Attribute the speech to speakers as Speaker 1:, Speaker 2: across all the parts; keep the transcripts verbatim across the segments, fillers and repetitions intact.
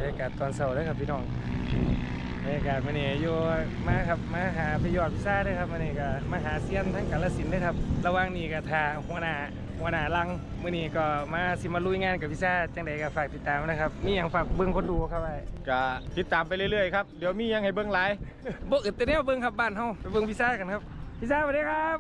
Speaker 1: รยากาศตอนเช้าเลยครับพี่น้องบรรยากาศวันนี้อยู่มาครับมาหาพี่ยอดพิซซ่าด้วยครับวันนี้ก็มาหาเซียนทั้งกาฬสินธุ์ด้วยครับระหว่างนี้ก็ทาหัวหน้าหัวหน้าลังวันนี้ก็มาสิมาลุยงานกับพิซซ่าจังใดก็ฝากติดตามนะครับมีอย่างฝากเบิ้งคนดูครับไอ้
Speaker 2: ก็ติดตามไปเรื่อยๆครับเดี๋ยวมียังให้เบิ้งหลาย
Speaker 1: บ่อึดแต่แนวเบิ้งครับบ้านเฮาไปเบิ้งพิซซ่ากันครับพิซซ่าสวัสดีครับ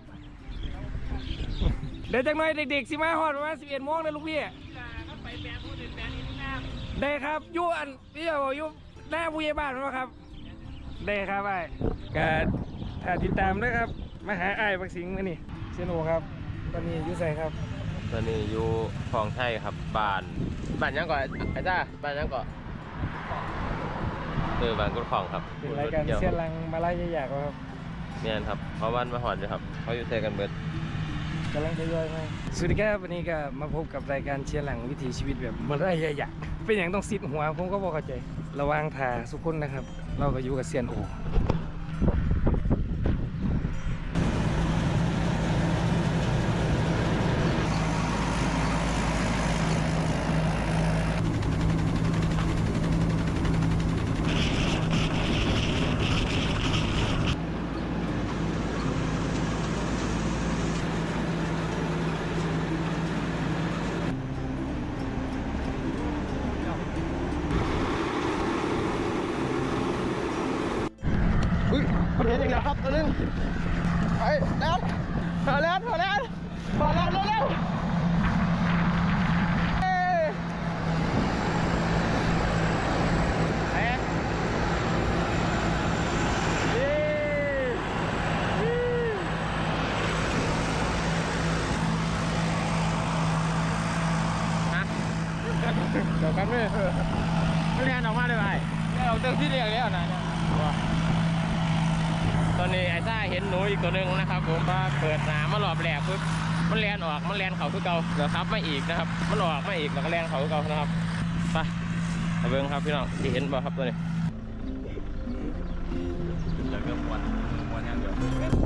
Speaker 1: เดี๋ยวจังหน่อยเด็กๆสิมาฮอดประมาณสิบเอ็ดโมงนะลูกพี่ไปแปะพูดเป็นแปะนี่ทุกน้ำได้ครับยู่อันพี่บอกยู่หน้าผู้ใหญ่บ้านมั้ยครับได้ครับไอ้ก็ถ้าติดตามนะครับมาหาไอ้บักสิงห์มานี่เชนโอครับตอนนี้อยู่ใส่ครับ
Speaker 2: ตอนนี้อยู่คลองไทยครับบ้านบ้านยังก่อนไอ้จ้าบ้านยังก่อนเออบ้านกุดคลองครับ
Speaker 1: เป็นรายการเชียร์ลังมาไล่ยากๆครับ
Speaker 2: เนี่ยครับเพราะวันมาหอนอยู่ครับเขาอยู่เทกันเบิด
Speaker 1: กำลังจะย่อยไหมสวัสดีครับวันนี้ก็มาพบกับรายการเชียร์หลังวิถีชีวิตแบบมันได้ยากๆเป็นอย่างต้องซิดหัวผมก็บอกเข้าใจระวังถ่าสุขุนนะครับเราก็อยู่กับเซียนโอ
Speaker 2: เห็นอีกแล้วครับตัวนึงไปแล้วพอแล้วพอแล้วพอแล้วเร็วๆเฮ้ยเฮ้ยฮะเดี๋ยวกันไม่ไม่เรียนออกมาเลยไปเราเติมที่เรียกแล้วนะตอนนี้ไอ้ซ่าเห็นหนูอีกตัวหนึ่งนะครับผมมาเปิดหนามาหลอบแหลกปุ๊บมันแลนออกมันแลนเขาคือเก่าเดี๋ยวครับไม่อีกนะครับมันออกไม่อีกแล้วก็แลนเขาคือเก่านะครับไปไปเบิ้งครับพี่น้องที่เห็นบ่ครับตัวนี้เดี๋ยวเริ่มวันวันยังเดี๋ยว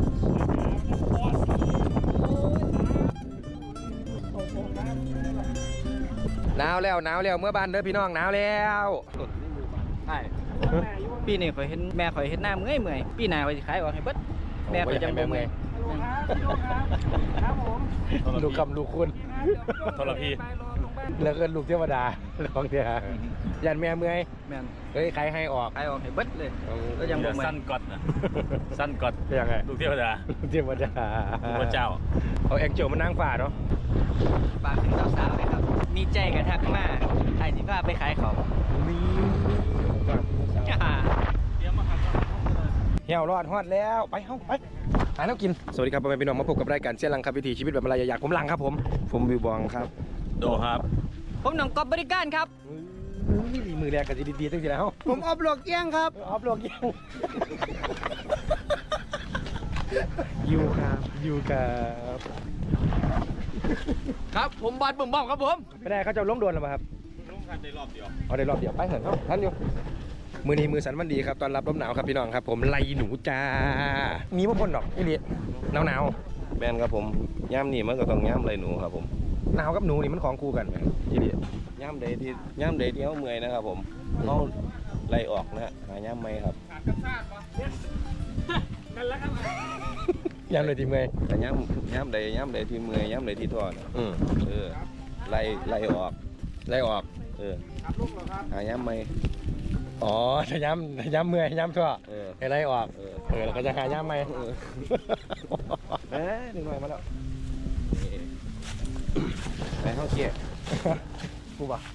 Speaker 1: หนาวแล้วหนาวแล้วเมื่อบ้านเด้อพี่น้องหนาวแล้ว
Speaker 3: ใช่ปีนี้ข่อยเห็นแม่ข่อยเห็นหน้าเมื่อยเมื่อยปีหน้าข่อยสิขายออกให้เบิดแม่ข่อยจังบ่เมื่อย
Speaker 1: ครับผมลูกคำลูกคุณ
Speaker 2: ทรพี
Speaker 1: แล้วก็ลูกเทวดาลองเถอะยันแม่เมื่อย
Speaker 3: แม่น
Speaker 1: เฮ้ยใครให้ออก
Speaker 3: ขายออกให้เบิดเลยก็ยังบ่เมื่อย
Speaker 2: สั้นกอดนะสั้นกอด
Speaker 1: ยังไง
Speaker 2: ลูกเทวดา
Speaker 1: ลูกเทวดา
Speaker 2: พระเจ้า
Speaker 1: เอาแองเจิลมานั่งฝ่าเนาะ
Speaker 3: ฝากถึงสาวๆเลยครับมีใจกระทักมาใครสิพาไปขายของ
Speaker 1: มีเหี่ยวรอดฮอดแล้วไปเฮ้าไปหาแล้วกินสวัสดีครับพ่อแม่พี่น้องมาพบกับรายการเชียร์ลังครับวิถีชีวิตแบบอะไรอยากผมลังครับผมผมวิวบองครับ
Speaker 2: โดครับ
Speaker 3: ผมหน้องกอบบริการครับ
Speaker 1: มือแรกกันดีๆตั้งทีแล้ว
Speaker 3: ผมออบหลวกเอี้ยงครับ
Speaker 1: ออบหลวกเอี้ยงยูครับยูครับ
Speaker 3: ครับผมบอลบุ๋มบอมครับผม
Speaker 1: ไม่ได้เขาจะล้มโดนหรือเปล่าครับ
Speaker 2: ล้มกันได้รอบเดียว
Speaker 1: เอาได้รอบเดียวไปเถอะครับท่านอยู่มือนี้มือสันวันดีครับตอนรับลมหนาวครับพี่น้องครับผมไล่หนูจ้ามีพ่นดอกไอ้เลี้ยหนาวหนาว
Speaker 2: แบนครับผมย่ำนี่มันก็ต้องย่ำไรหนูครับผม
Speaker 1: หนาวกับหนูนี่มันของคู่กันไหมไอ้เลี้ย
Speaker 2: ย่ำเดย์ที่ย่ำเดย์ที่เขาเมื่อยนะครับผมเขาไล่ออกนะหาย่ำไหมครับ
Speaker 1: นั่นแหละครับย่ำเลยที่เมื่อย
Speaker 2: แต่ย่ำย่ำเดย์ย่ำเดย์ที่เมื่อยย่ำเดย์ที่ทอดอือเออไล่ไล่ออก
Speaker 1: ไล่ออก
Speaker 2: เออหาย่ำไหม
Speaker 1: อ๋อจะย้ำย้ำเมื่อยย้ำทั่วอะไรออกเออแล้วก็จะหาย้ำไหมเอ๊ะหนึ่งหน่อยมาแล้ว
Speaker 2: ไปเข้าเกียร์
Speaker 1: กูบอก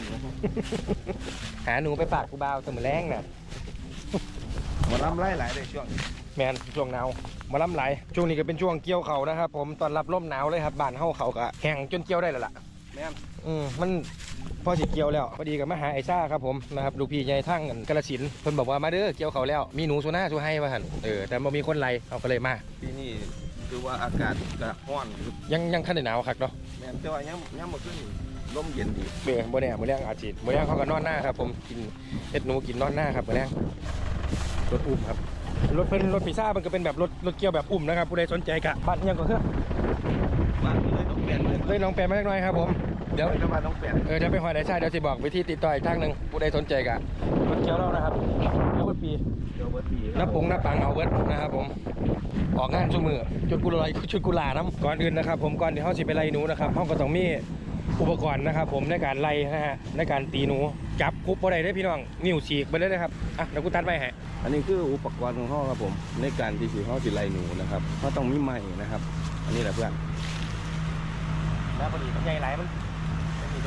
Speaker 1: หาหนูไปฝากกูบ่าวเสมอแรงน่ะ
Speaker 2: มาล้ำไล่หลายเลยช่วง
Speaker 1: แมนช่วงหนาวมาล้ำไหลช่วงนี้ก็เป็นช่วงเกี่ยวเขานะครับผมตอนรับร่มหนาวเลยครับบ้านเฮาเขาก็แห้งจนเกี่ยวได้แล้วล่ะ
Speaker 2: แม่น
Speaker 1: อืมมันพอสิเกี่ยวแล้วพอดีกับมหาไอซ่าครับผมนะครับลูกพี่ใหญ่ทั้งกระสินเพิ่นบอกว่ามาเด้อเกี่ยวเขาแล้วมีหนูสุน่าสุให้มาหันเออแต่บ่มีคนไล่เอาก็เลยมา
Speaker 2: ปีนี้คือว่าอากาศก็ร้อน
Speaker 1: ยังยังคันหนาวคักเนาะ
Speaker 2: แม่นแต่ว่ายังยังบ่ขึ้นลมเย็นดี
Speaker 1: เบื่อบ่แน่มื้อแรงอาทิตย์มื้อแรงเขาก็นอนหน้าครับผมกินเฮ็ดหนูกินนอนหน้าครับมื้อแรงรถอุ้มครับรถเพิ่นรถพิซซ่ามันก็เป็นแบบรถรถเกี่ยวแบบอุ้มนะครับผู้ใดสนใจกะบ้านยังก็คือ
Speaker 2: บ้านเลยต้องเปลี่ยน
Speaker 1: เลยลองแปลมาเล็กน้อยครับผมเดี๋ยว
Speaker 4: จะมาต้องเปลี่ยน
Speaker 1: เออจะไปหอยได้ใช่เดี๋ยวจะบอกวิธีติดต่ออีกทางหนึ่งผู้ใดสนใจกะรถเกียวเรานะครับแล้วก็ปี
Speaker 4: เดี๋ยวเบอร์สี่
Speaker 1: หน้าปงหน้าปังเอาเวิร์ดนะครับผมออกงานชุดมือชุดกุหลาบชุดกุหลาบน้ำก่อนอื่นนะครับผมก่อนที่เขาสิไปไล่หนูนะครับเขาก็ต้องมีอุปกรณ์นะครับผมในการไล่นะฮะในการตีหนูจับคุบอะไรได้พี่น้องนิ้วฉีกไปเลยนะครับอ่ะเดี๋ยวกูตัดไปให้
Speaker 4: อันนี้คืออุปกรณ์ของเขาครับผมในการที่สีเขาสิไลหนูนะครับเขาต้องมีไม้นะครับ อันนี้แหละเพื่อน
Speaker 1: แล้วพอดีมันใหญ่หลายมันไม่มีตัว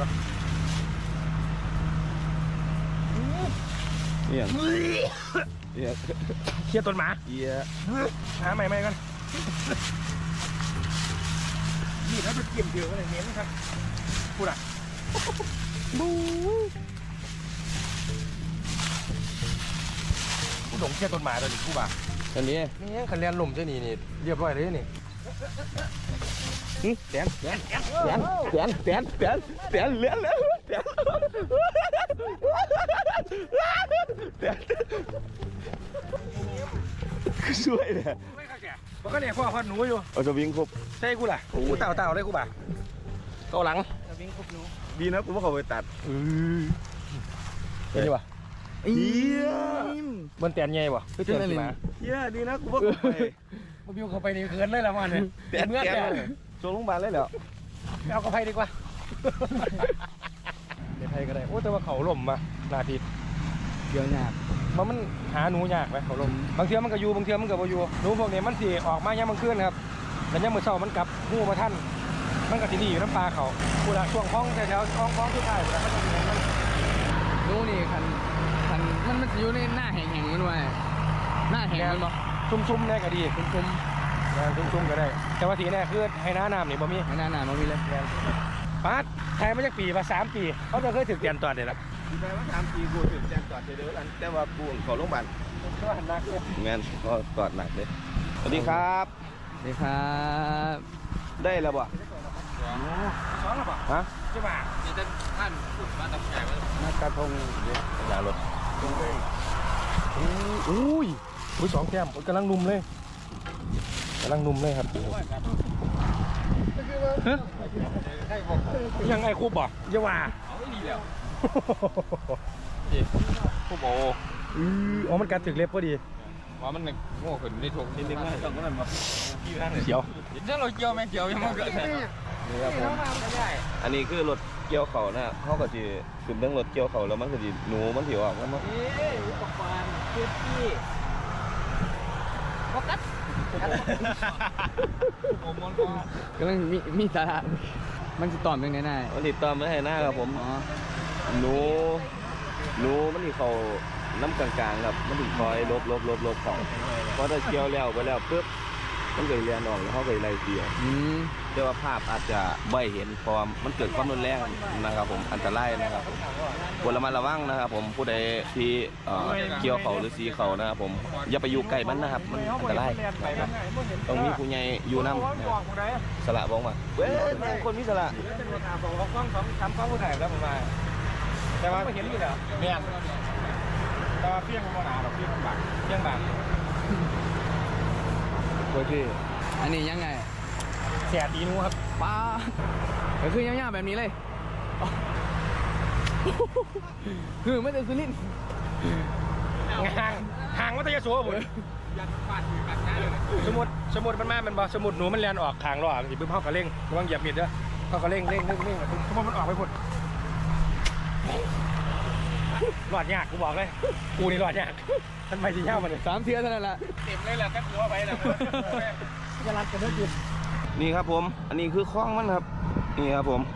Speaker 4: เอียงเอียง
Speaker 1: เคลียร์ต้นหมา
Speaker 4: เอียง
Speaker 1: หาใหม่ใหม่กันนี่แล้วจะเกี่ยมเดียวอะไรเน้นครับพูดอ่ะบูกูหลงเคลียร์ต้นหมาตัวนี้กูบ่า
Speaker 4: อันนี้
Speaker 1: นี่คันเรียนลมเจ้านี่นี่เรียบร้อยเลยนี่
Speaker 4: แสนแสนแสนแสนแสนแสนแสนเหลือเหลือแสนแสนคือช่วยเลย
Speaker 1: ไม่ค่ะแกมันก็เนี่ยพ่อพันหนูอยู่
Speaker 4: เอาจะวิ่งครบ
Speaker 1: ใช่กูล่ะกูเต่าเต่าเลยกูบ่าเกาหลัง
Speaker 3: วิ่งครบหนู
Speaker 4: ดีนะกูว่าเขาไปตัด
Speaker 1: เห็นดีวะ
Speaker 4: เอีย
Speaker 1: มันแตนใหญ่บ่คือเตนมา
Speaker 4: เอียดีนะกูว่าเขาไป
Speaker 1: มันบิวเข้าไปนี่เขินเลยละมันเนี่ย
Speaker 4: แตน
Speaker 1: เมื่อ
Speaker 4: แก
Speaker 1: แก
Speaker 4: โซลงพยาบาลเลยเหรอ
Speaker 1: เอาเข้าไปดีกว่าเดี๋ยวไทยก็ได้โอ้แต่ว่าเขาล่มมานาที
Speaker 3: เดี๋ยวยาก
Speaker 1: มันมันหาหนูยากไหมเขาลมบางเทีมันก็อยู่บางเทีมันก็บ่อยู่หนูพวกนี้มันสิออกมายังมันขึ้นครับแล้วยังมือเช้ามันกลับหูมาท่านมันก็สิหนีอยู่น้ำปลาเขากูละช่วงพ้องแถวๆพ้องพ้องสุดท้ายกูละก็จะมีมัน
Speaker 3: หนูนี่คันคันมันมันอยู่ในหน้าแห่งๆมันไว้หน้าแห่งมันบ่
Speaker 1: ซุ่มๆแน่ก็ดี
Speaker 3: คุม
Speaker 1: ซุ่มๆก็ได้ แต่ว่าทีแน่คือให้น้าน้ำนี่บ่มี
Speaker 3: ๆไม่น่าหนามันมีเลย
Speaker 1: ปาดไทยมาจากปีมาสามปีเขาจะเคยถึงเตียนตอนเด็ดละ
Speaker 4: แปลว่าสามปีกูถึงแจ้งจอดเดือดแต่ว่ากูขอลงพยาบาล
Speaker 1: ก็หันหน้าเนี่ย
Speaker 4: แมนก็จอดหนักเลยสวัสดีครับ
Speaker 3: สวัสดีครับ
Speaker 4: ได้แล้วบ่
Speaker 1: สองหรือเปล่า
Speaker 4: ฮะ
Speaker 1: ใช่ป่ะ
Speaker 3: นี่จะท่านพูดมาตำแหน่งว่า
Speaker 4: นักกระทงเนี่ยอย่ารถ
Speaker 1: อุ้ยอุ้ยสองแก้มกำลังนุ่มเลยกำลังนุ่มเลยครับยังไงคูบบ่อย่าว่า
Speaker 3: เอาไม่ดีแล้ว
Speaker 1: คูบโอ้อืออ๋อมันกัดถึงเล็บพอดี
Speaker 3: ว่ามันโง่ขึ้นในถุงนิดนึงนะต้องก็นั่นมา
Speaker 1: เขียว
Speaker 3: ถ้าเราเกี่ยวไหมเกี่ยวยังไม่เกิด
Speaker 4: นี่ครับผมอันนี้คือรถเกี่ยวเขานะเขาก็จะขึ้นเรื่องรถเกี่ยวเขาแล้วมันก็จะหนูมันถิวออกแล้วมัน
Speaker 3: เอ๊ะอุปกรณ์เพื่อที่โฟกัสผมมองก็มันมีมีสาระมันจะตอบยังไงได้
Speaker 4: มันติดตามไม่ให้หน้าครับผม
Speaker 3: อ๋อ
Speaker 4: หนูหนูมันที่เขาน้ำกลางๆครับมันถึงคอยลบลบลบลบเขาเพราะถ้าเกี่ยวแล้วไปแล้วปุ๊บมันเกิดเรียนออกแล้วเขาเกิดไรเสีย
Speaker 3: อืม
Speaker 4: แต่ว่าภาพอาจจะไม่เห็นเพราะมันเกิดความรุนแรงนะครับผมอันตรายนะครับผมควรระมัดระวังนะครับผมผู้ใดที่เอ่อเกี่ยวเขาหรือสีเขานะครับผมอย่าไปอยู่ใกล้มันนะครับมันอันตรายต้องมีผู้ใหญ่อยู่นำสละบอกมาเว้ยแม่งคนมีสละ
Speaker 1: ของกล้องของทำกล้องผู้ถ่ายแล้วผมมาแต่ว่าไม่เห็นอยู่แล้วเมียนแต่ว่าเพี้ยงมันหนาหรอกเพี้ยงมันบางเพี้ยงบาง
Speaker 4: โอเค
Speaker 3: อันนี้ยังไง
Speaker 1: แสบดีนูครับ
Speaker 3: ป้าก็คือย่างๆแบบนี้เลยคือไม่ได้ซื้อลิ้น
Speaker 1: ห่างห่างวัตยโสผมสมุดสมุดมันมามันบอกสมุดหนูมันเลียนออกทางรอสิบึ้มเข้ากระเร่งระวังเหยียบมิดเด้อเข้ากระเร่งเร่งเร่งเร่งสมุดมันออกไปพุ่นหลอดยากกูบอกเลยกูนี่หลอดยากท่านไม่ที่เช่ามันเลย
Speaker 3: สามเทียเท่านั้นแหละ
Speaker 1: เต็มเลยแหละก็หัวไปแล้วจะรัดกันได้หยุด
Speaker 4: นี่ครับผม อันนี้คือคล้องมันครับ นี่ครับผม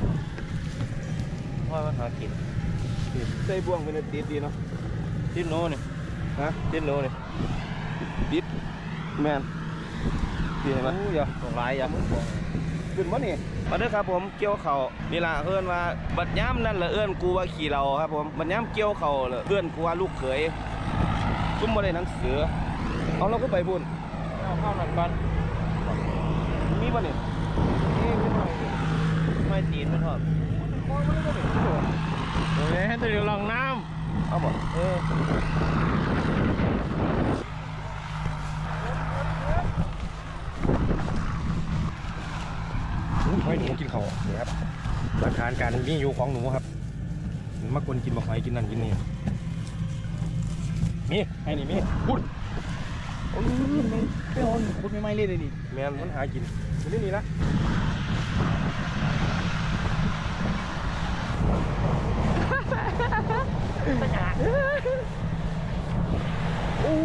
Speaker 4: พ่อมาหากินใส่บ่วงเป็นติดดีเนาะติดโน่เนี่ยฮะติดโน่เนี่ยติดแมนดีไหมอย่าส่งลายอย่ามึงบอกขึ้นวะนี่มาเด้อครับผมเกี่ยวเข่านี่ล่ะเอื้อนว่าบัดย้ำนั่นแหละเอื้อนกูว่าขี่เราครับผมบัดย้ำเกี่ยวเข่าเลยเอื้อนกูว่าลูกเขยซุ่มมาได้หนังสือเอาเราก็ไปบุญ
Speaker 1: เอาเข้าหน่อยก่อน
Speaker 4: มีป่ะเนี่ยนี่มีป่ะไม่ตีนไม่ทอด
Speaker 1: โอเคให้ตัวเดียวลองน้
Speaker 4: เอาบ่เออ
Speaker 1: ำไม่หนูกินเขาเนี่ยครับหลักฐานการมีอยู่ของหนูครับมาคนกินบอกหอยกินนั่นกินนี่มีให้นี่มีพูด
Speaker 3: โอ้ยไม่โอนพูดไม่ไม่เล่นเลยดิ
Speaker 1: แมนมันหากินอยู่นี่นี่นะโอ้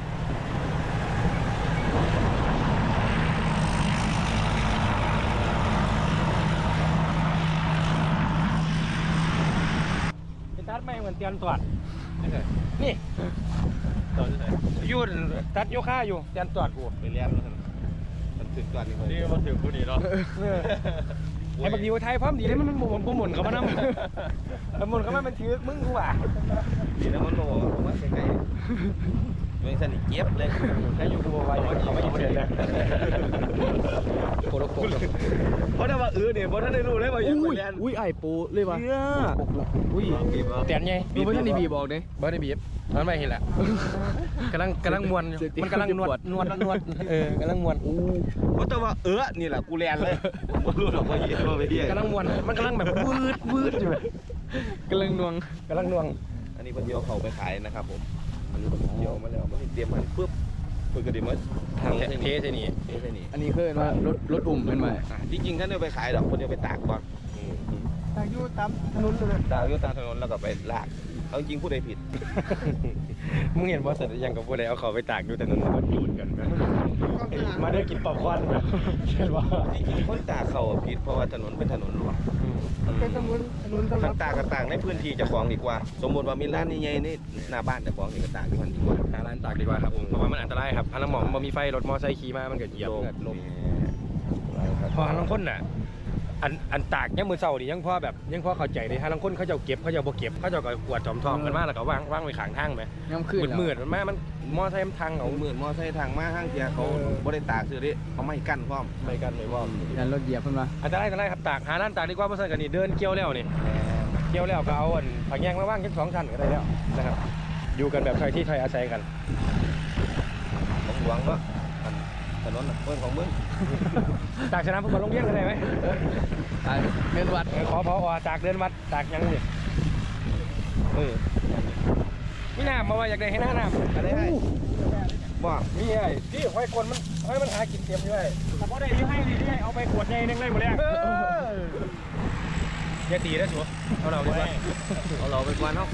Speaker 1: ไปตัดไม่เหมือนเตียนตรวจนี่ตรวจที่ไหนอยู่ตัดโยค่าอยู่เตียนตรวจกู
Speaker 4: ไปเรียนแล้วมันถึงก่อนนี่คน
Speaker 2: นี่มาถึงผู้นี้เนาะ
Speaker 1: ไอ้บางทีว่าไทยพร้อมดีเลยมันมันหมุนหมุนเขามานั่งหมุนเขามามันถือมึงกูว่ะ
Speaker 4: ดีนะมันโง่ผมว่าไกลๆไม่สนิทเจี๊ยบเลย
Speaker 1: แค่อยู่กูไว้เขาไม่เฉยเลยโคตรโคตร
Speaker 4: เพราะถ้าว่าเออเนี่ยเพราะถ้าได้รู้เลยว่ายังไปเรียน
Speaker 3: อุ้ยไอ้ปูเลยวะ
Speaker 4: เนี่ยอุ้ยบีบ
Speaker 1: เตียนไง
Speaker 3: บีบท่านดีบีบอกเด้
Speaker 1: เบิร์ดบีบมันไม่เห็นแหละกำลังกำลังมวนมันกำลังนวดนวดนวดเออกำลังมวน
Speaker 4: เพราะแต่ว่าเออนี่แหละกูเรียนเลยผมรู้หรอกว่าเหี้ยว่าไปเหี้ย
Speaker 1: กำลังมวนมันกำลังแบบวืดวืดอยู่
Speaker 3: กำลังนวง
Speaker 1: กำลังนวง
Speaker 4: อันนี้เพิ่นเดียวเขาไปขายนะครับผมอันนี้เพิ่นเดียวมาแล้วมันเตรียมมันปุ๊บเพิ่นก็ได้มาทาง
Speaker 1: เทใช่นี่
Speaker 4: เทใช่นี่
Speaker 3: อันนี้คือว่ารถรถอุ่มเป็นไหม
Speaker 4: อ่ะที่จริงท่านเดียวไปขายดอกคนเดียวไปตากก่อน
Speaker 1: ตายอยู่ตามถนนเลย
Speaker 4: ตากอยู่ตามถนนแล้วก็ไปลากเอาจริงผู้ใดผิด
Speaker 1: มึงเห็นบอสเสร็จยังกับพวกใดเอาเขาไปตากอยู่แต่ถนนมันจูดกันมาได้กินป๊อปคอร์นแบบเช่นว่า
Speaker 4: ที่จริงคนตากเขาอะผิดเพราะว่าถนนเป็นถนนหลวง
Speaker 1: เป็นถนนถนน
Speaker 4: ทางตากก็ตากในพื้นที่เจ้าของดีกว่า สมมติว่ามีร้านใหญ่ๆนี่หน้าบ้านเจ้าของนี่ก็ตากที่มันดีกว่า
Speaker 1: หาร้านตากดีกว่าครับเพราะว่ามันอันตรายครับฮันน้ำหมอมมันมีไฟรถมอไซค์ขี่มามันเกิดเหยียบ
Speaker 4: โล
Speaker 1: เกิดลม
Speaker 4: ม
Speaker 1: พอฮันลังคนน่ะอันอันตากยังมือเศร้าดิยังพอแบบยังพอเข้าใจเลยฮันลังคนเขาจะเก็บเขาจะบ่เก็บเขาจะก็กวาดจอมทองกันมาแล้วก็วางวางไว้ข้างทางไหม
Speaker 3: ย่ำขึ้น
Speaker 1: มืดมืดมันมามันมอไซค์มันทาง
Speaker 4: เอา
Speaker 1: เอา
Speaker 4: หมื่นมอไซค์ทางมาห้างเทียเขาบ่ได้ตากซื้อดิเขาไม่กั้นพร้อม
Speaker 1: ไม่กันไม่ว่า
Speaker 3: ยันรถเหยียบเพิ่นมา
Speaker 1: อันตรายอันตรายครับตากหาร้านตากดีกว่าเพราะฉะนั้นกันนี่เดินเกี่ยวแล้วนี่เกี่ยวแล้วก็เอาอันผักแยงมาว่างแค่สองชั้นก็ได้แล้วนะครับอยู่กันแบบใครที่ใครอาศัยกัน
Speaker 4: ของหลวงเนาะถนนเพิ่นของมึง
Speaker 1: ตากชนะฟุตบอลโรงเรียนกันได้ไหม
Speaker 3: อ่าเงินวัด
Speaker 1: เออขอพอตากเดินวัดตากยังนี่เออมีน้ำมาว่าอยากได้ให้หน้าน้ำ
Speaker 4: อะไรให้บ่
Speaker 1: มีไอ้ที่ห้อยกลมันห้อยมันหากินเต็มอยู่ไอ้แต่พอได้ยี่ให้นี่ให้เอาไปขวดใหญ่นึงเลยหมดเลยอย่าตีนะสัวเอาเราดีกว่า
Speaker 4: เอาเราไปกวนเนาะ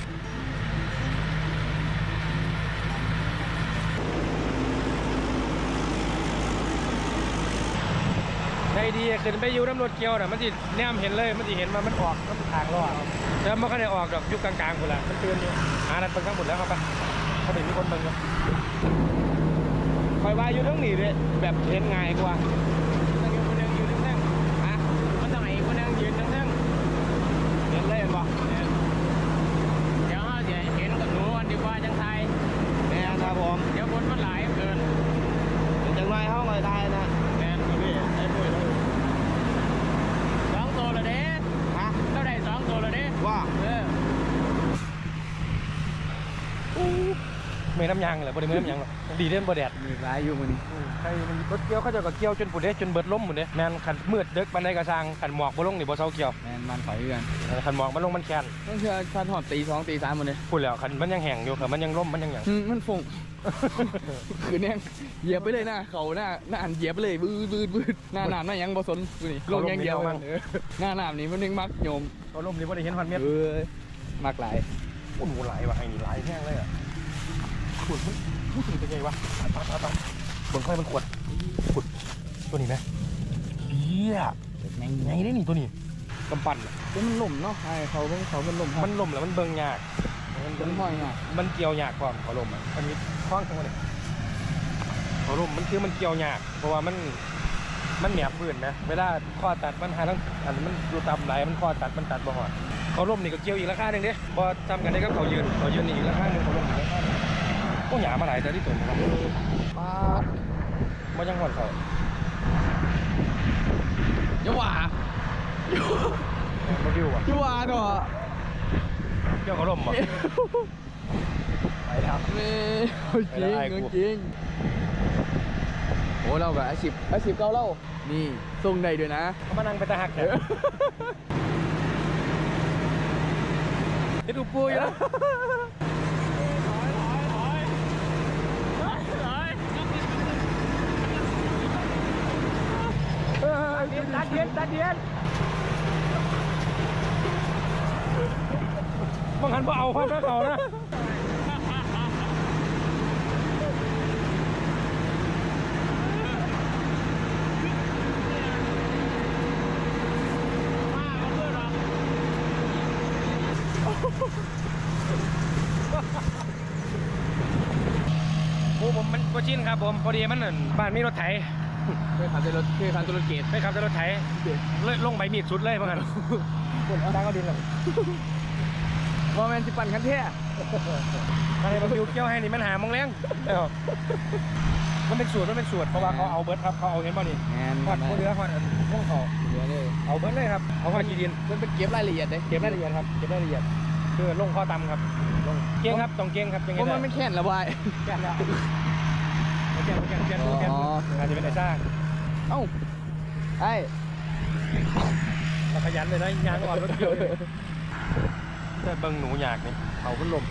Speaker 1: ใจดีขึ้นไปอยู่น้ำรถเกียวน่ะมันสิแนมเห็นเลยมันสิเห็นมามันออกน้ำทางรอดแต่มันก็ได้ออกดอกยุคกลางๆคนละมันเตือนอยู่หานัดเบิ่งทั้งหมดแล้วครับปะเขาเป็นมีคนเบิ่งอยู่คอยว่าอยู่ทั้งนี้เลยแบบเห็นง่ายกว่ามันอยู่คนนึงอยู่ทั้งนั้นฮะมันต้องไหนคนนึงยืนทั้งนั้นเห็นเลยเห็นปะ
Speaker 2: เดี๋ยวเดี๋ยวเห็นกับหนูวันดีกว่าจังไทย
Speaker 4: แม่ครับผม
Speaker 2: เดี๋ยวคนมันหลายเกิน
Speaker 4: จังไรเฮาก็ได้นะ
Speaker 2: แมนกับพี่ไอ้ปุ้ยสองตัวละเด้
Speaker 4: ฮะ
Speaker 2: เท่าใดสองตัวละเด้
Speaker 4: ว่า
Speaker 2: เออ
Speaker 1: ไม่น้ำยางเหรอบริเวณน้ำยางหรอกดีเด่นบ่แดด
Speaker 3: มีร้ายอยู่มันนี่
Speaker 1: ใครมันรถเกี่ยวเขาจะก็เกี่ยวจนปุ่นเด้จนเบิดล้มหมดเด้แมนขันมืดเด็กปันใดกระซังขันหมอกบ่ลงนี่บ่เซาเกี่ยว
Speaker 3: แมนมันถอยเรือน
Speaker 1: ขันหมอกมันลงมันแคน
Speaker 3: ต้องเชื่อชันหอดตีสองตีสามหมดเลย
Speaker 1: พูดแล้วขันมันยังแห้งอยู่ขันมันยังล้มมันยังหยัง
Speaker 3: อืมมันฟง คือเนี่ยเหยียบไปเลยหน้าเขาหน้าหน้าอันเหยียบไปเลยบืดบืดบืดหน้าหนามหน้ายังบ่สนดูนี่ลงอยังเดียวมันเออหน้าหนามนี่มันยังมักโยม
Speaker 1: เขาล้มนี่บ่ได้เห็นพันเมตร
Speaker 3: เออมักหลาย
Speaker 1: โอ้โหหลายว่ะไอ้นี่หลายแห้งเลยอ่ะขุดมันมันขุดเป็นไงวะตายตายตายบนค่อยมันขวดขุดตัวนี้ไหมเบี้ย
Speaker 3: ไง
Speaker 1: ไงได้นี่ตัวนี้กำปั้นอะ
Speaker 3: ก็มันล่มเนาะไอ้เขาเพิ่งเขาเป็นล่ม
Speaker 1: มันล้มแล้วมันเบิ่งยาก
Speaker 3: มันห้อยอ่ะ
Speaker 1: มันเกี่ยวยากความเขาล้มอ่ะอันนี้คล้องทั้งหมดเลยเขาล้มมันคือมันเกี่ยวยากเพราะว่ามันมันแหนบพื้นนะเวลาข้อตัดมันหาทั้งอันมันดูตามไหลมันข้อตัดมันตัดบ่หอดเขาล้มนี่ก็เกี่ยวอีกราคาหนึ่งเด้พอทำกันได้ก็เขายืนเขายืนนี่อีกราคาหนึ่งเขาล้มอีกราคาหนึ่งก็หยามาหลายแต่ที่ตัวมัน
Speaker 3: ป้า
Speaker 1: มันยังหอดเขา
Speaker 3: อย่าว่า
Speaker 1: เขาดิวอ่ะ
Speaker 3: อย่าว่าเนาะ
Speaker 1: เกี่ยวเขาล้มอ่ะไปแล้ว
Speaker 3: นี่จริงจริงโอ้เรากับอาชีพอาชีพเก่าเรานี่ส่งได้ด้วยนะ
Speaker 1: เขามานั่งไปตาหักเนี่ยจะดูปูอยู่แล้ว ตาเดียนตาเดียนบางคันพอเอาพัดแล้วเขานะโอ้ผมมันก็ชินครับผมพอดีมันนั่นบ้านมีรถไถ
Speaker 3: เคยขับรถเคยขับรถเกต
Speaker 1: ไปขับรถไถเลยลงใบมีดสุดเลยบางคันคนเอาดังเอาดินหรอ
Speaker 3: ว่าแมนสิปั่นคันแท้
Speaker 1: อะไรมาบิวเกี่ยวให้นี่มันหามองแรงเออมันเป็นสูตรมันเป็นสูตรเพราะว่าเขาเอาเบิร์ดครับเขาเอาเห็นป่ะนี่
Speaker 3: แมน
Speaker 1: หอดเรือหอดพวกเขา
Speaker 3: เดี๋ยวเลย
Speaker 1: เอาเบิร์ดเลยครับเอาหอดกีดิน
Speaker 3: มันเป็นเก็บรายละเอียดเลย
Speaker 1: เก็บรายละเอียดครับเก็บรายละเอียดคือลงข้อตำครับลงเก่งครับต้องเก่งครับยังไง
Speaker 3: เพราะ
Speaker 1: ได้
Speaker 3: มันไม่แค่นระบาย
Speaker 1: แก่แล้วแก่แก่แก่แก่แก่อาจจะเป็นไอ้ซ่า
Speaker 3: เอ้าไอ้
Speaker 1: เราขยันเลยนะยางอ่อนรถเกี่ยวเลยแต่เบิ้งหนูอยากนี่เขาพัดลม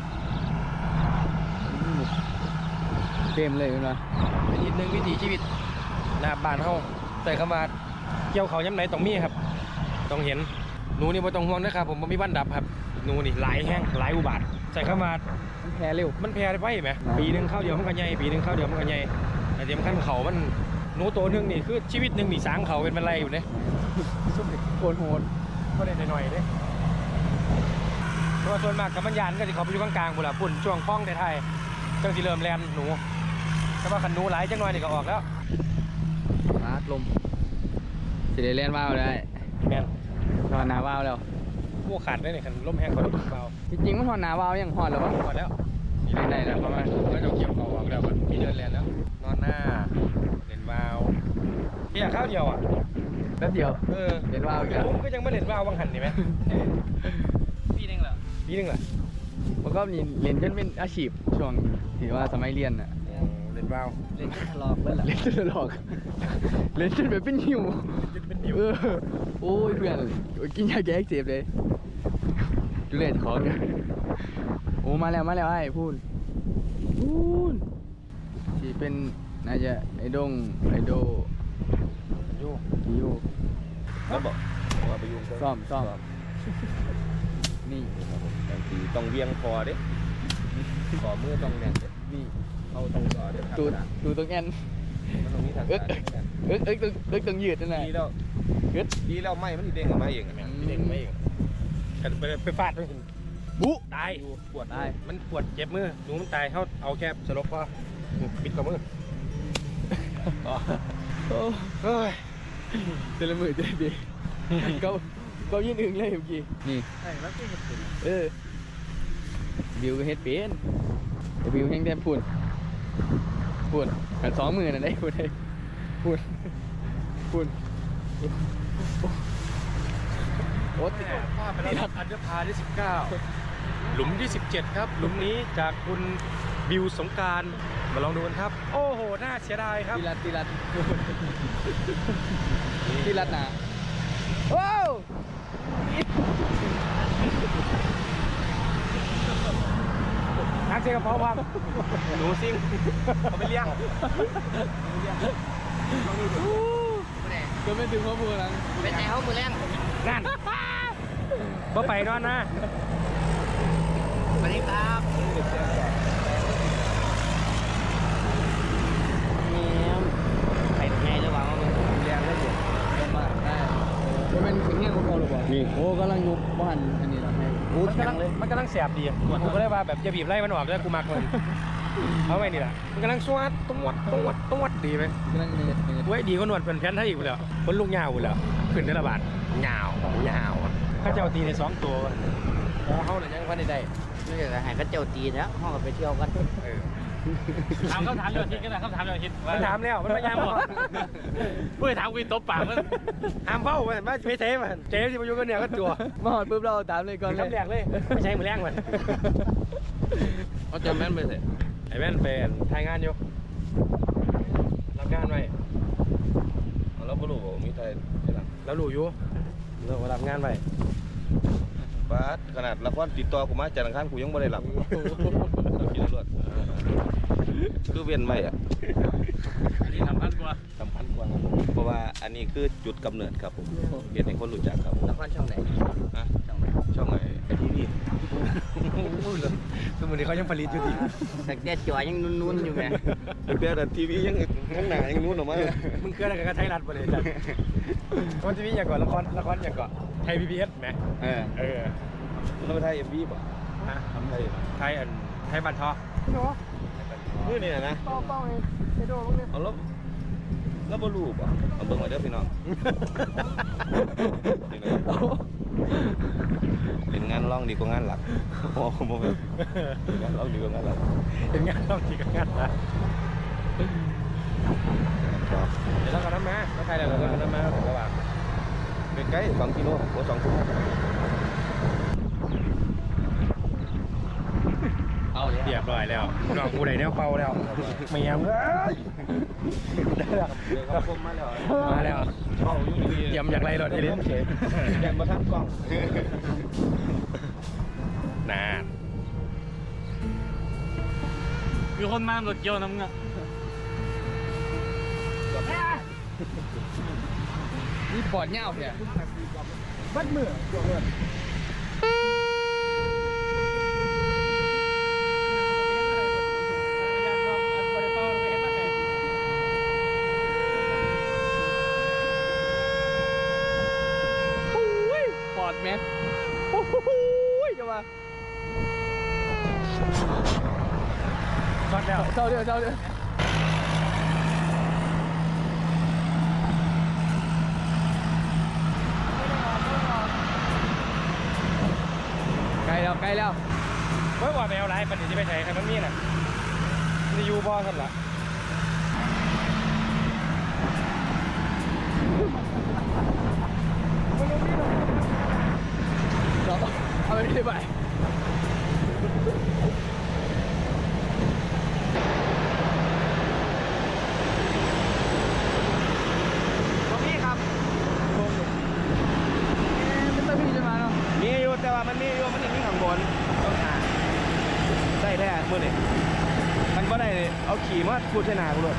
Speaker 3: เต็มเลยคุณวะ
Speaker 1: เป็นอีกหนึ่งวิถีชีวิตหน้าบ้านเขาแต่คำว่าเกี่ยวเขาย้ำไหนต้องมีครับต้องเห็นหนูนี่ไม่ต้องห่วงนะครับผมมีวันดับครับหนูนี่หลายแห้งหลายอุบาทใส่เข้ามา
Speaker 3: มันแพ้เร็ว
Speaker 1: มันแพร่ไปไหมปีหนึ่งเข้าเดียวมันก็ใหญ่ปีหนึ่งเข้าเดียวมันก็ใหญ่แต่ที่สำคัญเขามันหนูตัวหนึงนี่คือชีวิตหนึ่งนี่สางเขาเป็นอะไรอยู่เนี่ย
Speaker 3: โคตรโหด
Speaker 1: ก็ได้หน่อยๆเลยเพราะว่าส่วนมากกับมันยานก็จะเขาไปอยู่กลางๆบุหรี่ปุ่นช่วงคล้องไทยๆจังสิเริ่มแลนหนูแต่ว่าขันหนูหลายจังหน่อยนี่ก็ออกแล้ว
Speaker 3: ฟาดลมสิได้เล่นว่าวได้
Speaker 1: แมน
Speaker 3: หอนหนาว่าวแล้ว
Speaker 1: พวกขาดได้เนี่ยขันล้มแห้งกว่านี้เบา
Speaker 3: จริงๆมันหอนหนาว่าวยังหอนหรือวะ
Speaker 1: หมดแล้ว
Speaker 3: มีได้แล้วประมาณ
Speaker 1: ก็จะเกี่ยวเขาออกแล้วมันมีเดินแลนแล้วนอนหน้าเล่นวาวพี่อยากข้าวเดียวอ่ะ
Speaker 3: แป๊บเดียว
Speaker 1: เออ
Speaker 3: เล่นว่าวอีกแล้ว
Speaker 1: ผมก็ยังไม่เล่นวาวบางหันนี่ไหม
Speaker 2: ปีนึงเหรอ
Speaker 1: ปีหนึงเหรอ
Speaker 3: มันก็มีเล่นจนเป็นอาชีพช่วงที่ว่าสมัยเรียนน่ะ
Speaker 1: เล่นวาว
Speaker 2: เล่นทะเลาะเบิ้ลล่ะ
Speaker 3: เล่นจนหลอกเล่นจนแบบเป็นหิว
Speaker 1: เป็นนิ้ว
Speaker 3: เออโอ้ยเพื่อนกินยาแก้อักเสบเลยดูเลยของเนี่ยโอ้มาแล้วมาแล้วไอ้พูนพูนที่เป็นน่าจะไอ้ดงไอ้โด
Speaker 1: อยู่
Speaker 3: กิโย
Speaker 4: แล้วบอกว่าไปยุ่ง
Speaker 3: ซ่อมซ่อมนี่
Speaker 4: บางทีต้องเวียงคอเด้คอมือต้องแน่นเด้
Speaker 3: นี่
Speaker 4: เอาต้องคอเด้
Speaker 3: ตูดตูดตรงแอน
Speaker 4: มันต้องมีทาง
Speaker 3: เอ๊ะ
Speaker 4: การ
Speaker 3: เอ๊ะเอ๊ะตรงเอ๊ะตรงยืดนั่นแหละ
Speaker 4: ดีแล้ว
Speaker 3: เอ๊ะ
Speaker 4: ดีแล้วไม่มันสิเด้งออกมาเองอะแม่น
Speaker 1: เด็กไม่เองกันไปไปฟาดมัน
Speaker 3: บุ
Speaker 1: ตาย
Speaker 4: ปวด
Speaker 3: ตาย
Speaker 1: มันปวดเจ็บมือหนูมันตายเขาเอาแค่สลบพอปิดกับมือ
Speaker 3: โอ้
Speaker 1: เฮ้ย
Speaker 3: เจริญมือเจริญดีก็ก็ยืนอึงเลยเมื่อกี้นี่เออบิวก็เฮ็ดเป็นแต่บิวแห้งแทบพูนพูนกันสองมือน่ะได้พูนได้พูนพูนโอ้ติด
Speaker 1: พลาดไปแล้วครับอันเดอร์พาที่สิบเก้าหลุมที่สิบเจ็ดครับ หลุมนี้จากคุณบิวสงกรารมาลองดูกันครับ โอ้โห น่าเสียดายครับ
Speaker 3: ตีรัดตีรัดตีรัดหนาว้าว
Speaker 1: นักเชียร์กับพ่อพังหนูซิ่งเขาไปเลี้ยง
Speaker 3: ก็ไม่ถึงพ่อพูดนัง
Speaker 2: เป็นไงเขามือแรง
Speaker 1: นั่นบ่ไปนอนนะ
Speaker 2: สวัสดีครับ
Speaker 3: แม่
Speaker 2: ไข่ไงระหว่างเรา
Speaker 3: เรียนได้อยู่ประมาณได้ก็เป็นสิ่งที่ของเขาหรือเปล่านี่โอ้กำลังยุบบ้านอันนี้เราให้โอ้
Speaker 1: มัน
Speaker 3: แข็
Speaker 1: กำลั
Speaker 3: ง
Speaker 1: ง
Speaker 3: เลย
Speaker 1: มันกำลังแสบดีกูก็เลยว่าแบบจะบีบไล่มันออกแล้วกูมักมันเอาไว้นี่แหละมันกำลังสวดตวดตวดตวดดีไหม
Speaker 3: กำลังเนียดเนียด
Speaker 1: ไว้ดีก็นวดเป็นแผ่นไทยอีกแล้วคนลูกยาวแล้วขึ้นได้ละบาทยาวยาวข้าเจ้าตีในสองตัวแล้วเขาเนี่ยยังพันได้
Speaker 2: ไม่ใช่หายก็เจ้าตีแล้วห้องไปเที่ยวกัน
Speaker 1: เออ
Speaker 2: ถามคำถามเรื่องทิศกันนะคำถามเรื่องทิศ
Speaker 1: มันถามแล้วมันไม่ยามหรอก
Speaker 2: เพื่อถามกูตบปากมัน
Speaker 1: ห้ามเฝ้ามันไม่เพเทมันเจ๊ที่มาอยู่กันเนี่ยก็ตัว
Speaker 3: มาหอดปุ๊บเราตามเลยก่อนเลย
Speaker 1: คำแรกเลยไม่ใช่มือแรงมัน
Speaker 4: เขาจำแม่นไปเถอะ
Speaker 1: ไอ้แม่นเป็นทายงานอยู่รับงานไว้
Speaker 4: ฮัลโหลบ่รู้มีไทยหลัง
Speaker 1: แล้วรู้อยู่เรารับงานไป
Speaker 4: บาสขนาดละครติดต่อกูมาจากอังคารกูยังบ่ได้รับกินรวดคือเวียนไม่อ่ะ
Speaker 2: อันนี้สำคัญกว่า
Speaker 4: สำคัญกว่าครับผมเพราะว่าอันนี้คือจุดกำเนิดครับผมเรียนให้คนรู้จักครับผม
Speaker 3: ละครช่องไหน
Speaker 4: ฮะช่องไหนไอทีวี
Speaker 1: สมุนนี้เขายังผลิตอยู่ดี
Speaker 3: แต่แกจอยยังนุ่นๆอยู่ไง
Speaker 4: เปียแต่ทีวียังข้างหน้ายังนู้นออกมา
Speaker 1: มึงเกิดอะไรกับไทยรัฐประเดี๋ยวจัดมันจะมีอย่างก่อนละครละครอย่างก่อนไทยพีพีเอสไหม
Speaker 4: เออ
Speaker 1: เออ
Speaker 4: แล้วไปไทยเอ็มวีป่ะ
Speaker 1: ฮะ
Speaker 4: ทำไทย
Speaker 1: ไทยอันไทยบันทอ
Speaker 4: นี่นี่นะ
Speaker 1: เป้าเป้าเองไปดูมึงเนี่ย
Speaker 4: เอาแล้วแล้วบ่รู้ป่ะเอาเบิ่งไว้เด้อพี่น้องเป็นงานร้องดีกว่างานหลักโอ้โหบ่เป็นงานร้องดีกว่างานหลัก
Speaker 1: เป็นงานต้องจีกับงานนะเดี๋ยวเราก็น้ำมาถ้าไทยเราก็น้ำมาถึงระหว่าง
Speaker 4: เป็นใกล้สองกิโลโอ้สองกิโล
Speaker 3: เอาเลย
Speaker 1: เรียบร้อยแล้วน้องกูได้แนวเป่าแล้วเมียมเอ้ยได้แล้ว
Speaker 4: เดี๋ยวครับผมมาแล้ว
Speaker 1: มาแล้วเยี่ยมอย่างไรรถทีนี้
Speaker 4: แกนมาทักกล้อง
Speaker 1: นาน
Speaker 2: คือคนมารถเกี่ยวน้ำเงา
Speaker 3: นี่ปอดเงาเนี่ย
Speaker 1: บัดมือจวงเลย
Speaker 3: ปอดแม็กโอ้โหจะมา
Speaker 1: ช็อตแล้ว
Speaker 3: เจ้าเดียวเจ้าเดียวใกล้แล้วใกล้แล้ว
Speaker 1: เมื่อว่าไปเอาไรปันนี้จะไปใช้ใครมันมีน่ะนี่ยูบอสันละ
Speaker 3: เราเอาไปที่ไหน
Speaker 4: ตรงนี้ครับ
Speaker 3: เป็นตะพีจะมาเนาะ
Speaker 4: มีอยู่แต่ว่ามันมีอยู่มันยังมีข้างบนต้องหาได้แท้มื้อนี้มันบ่ได้เอาขี่มาพูดใส่หน้ากูเลย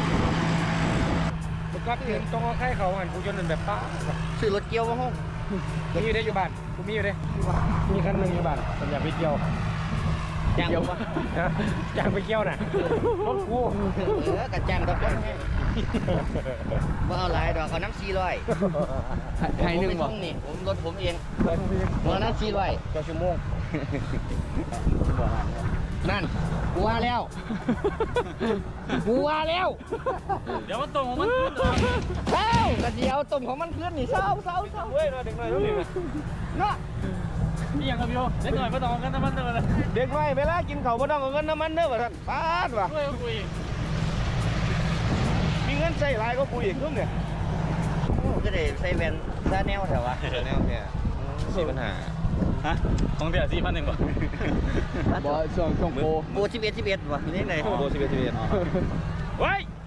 Speaker 1: บุกกัดเห็นตรงเอาไข่เขาหันกูจนเป็นแบบป้า
Speaker 3: ซื้อรถเกี่ยวมาห้อง
Speaker 1: มีอยู่ได้อยู่บ้านกูมีอยู่ได้มีคันหนึ่งอยู่บ้านผมอยากไปเที่ยว
Speaker 3: จ้างวะ
Speaker 1: นะอยากไปเที่ยวน่ะรถกู
Speaker 3: เออกระจ้างตะก้นว่าเอาหลายดอกเอาน้ำซีร้อยให้หนึ่งบ่นี่ผมรถผมเองหัวน้ำซีร้อย
Speaker 1: เจ้าชั่วโมง
Speaker 3: นั่นกูว่าแล้วกูว่าแล้ว
Speaker 2: เดี๋ยวมันตรงของมันขึ้น
Speaker 3: เอ้าก็เดียวต้มของมันขึ้นนี่เศร้าเศร้าเศร้า
Speaker 4: เว้ยเด็กน้อยรู้ดิ
Speaker 3: เนาะ
Speaker 2: นี่ยังกับโยเด็กหน่อยมาต่อกันน้ำมันเด้อเลย
Speaker 4: เด็กน้อยเวลากินข้าวบ่ต้องเอาเงินน้ำมันเด้อว่าท่านปาดว่ะ
Speaker 2: เฮ้ยคุย
Speaker 4: มีเงินใส่หลายก็กูอีกครึ่งเนี่ย
Speaker 3: ก็ได้ใส่แว่นซาแนวแถววะ
Speaker 4: แนวเนี่ยมีปัญหา
Speaker 2: ฮะของเดียวสี่พันหนึ่งป่ะ
Speaker 3: บ่ช่วงช่วงโปโปสิบเอ็ดสิบเอ็ดวะนี่ไหน
Speaker 4: โบสิบเอ็ดสิบเอ็ด
Speaker 2: เฮ้ย